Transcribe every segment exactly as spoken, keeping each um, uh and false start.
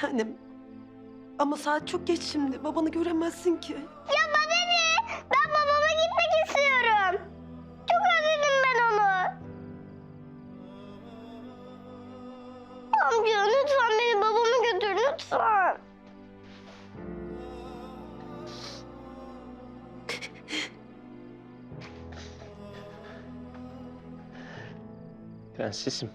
tanem. Ama saat çok geç şimdi. Babanı göremezsin ki. Ya bana ne? Ben babama gitmek istiyorum. Çok özledim ben onu. Amca lütfen beni babama götür lütfen. Prensesim.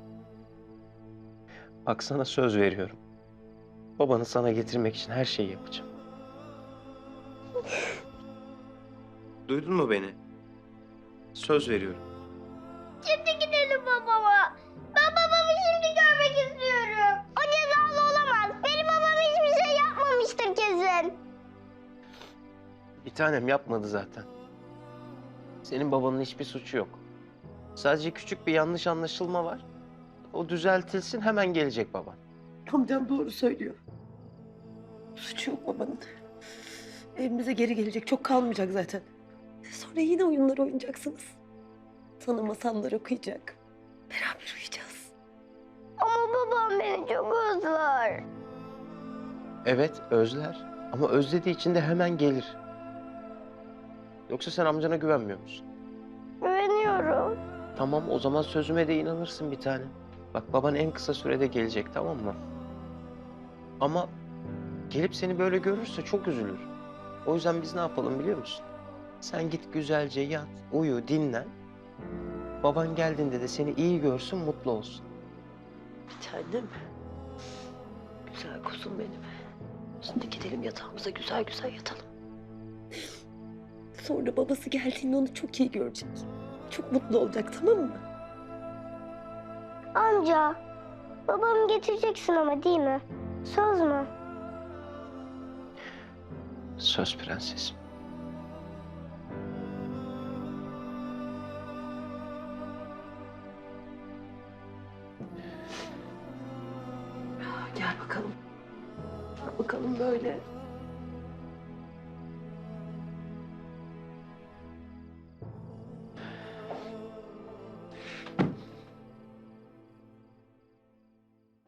Bak sana söz veriyorum. Babanı sana getirmek için her şeyi yapacağım. Duydun mu beni? Söz veriyorum. Şimdi gidelim babama. Ben babamı şimdi görmek istiyorum. O cezalı olamaz. Benim babam hiçbir şey yapmamıştır kesin. Bir tanem yapmadı zaten. Senin babanın hiçbir suçu yok. Sadece küçük bir yanlış anlaşılma var. O düzeltilsin, hemen gelecek baban. Amcam doğru söylüyor. Suçu yok babanın. Evimize geri gelecek. Çok kalmayacak zaten. Sonra yine oyunlar oynayacaksınız. Sana masallar okuyacak. Beraber uyuyacağız. Ama babam beni çok özler. Evet, özler. Ama özlediği için de hemen gelir. Yoksa sen amcana güvenmiyor musun? Güveniyorum. Tamam, o zaman sözüme de inanırsın bir tane. Bak, baban en kısa sürede gelecek, tamam mı? Ama gelip seni böyle görürse çok üzülür. O yüzden biz ne yapalım biliyor musun? Sen git güzelce yat, uyu, dinlen. Baban geldiğinde de seni iyi görsün, mutlu olsun. Bir tanem. Güzel kuzum benim. Şimdi gidelim yatağımıza güzel güzel yatalım. Sonra babası geldiğinde onu çok iyi görecek. Çok mutlu olacak, tamam mı? Amca, babamı getireceksin ama değil mi? Söz mü? Söz prensesim. Gel bakalım. Bak bakalım böyle.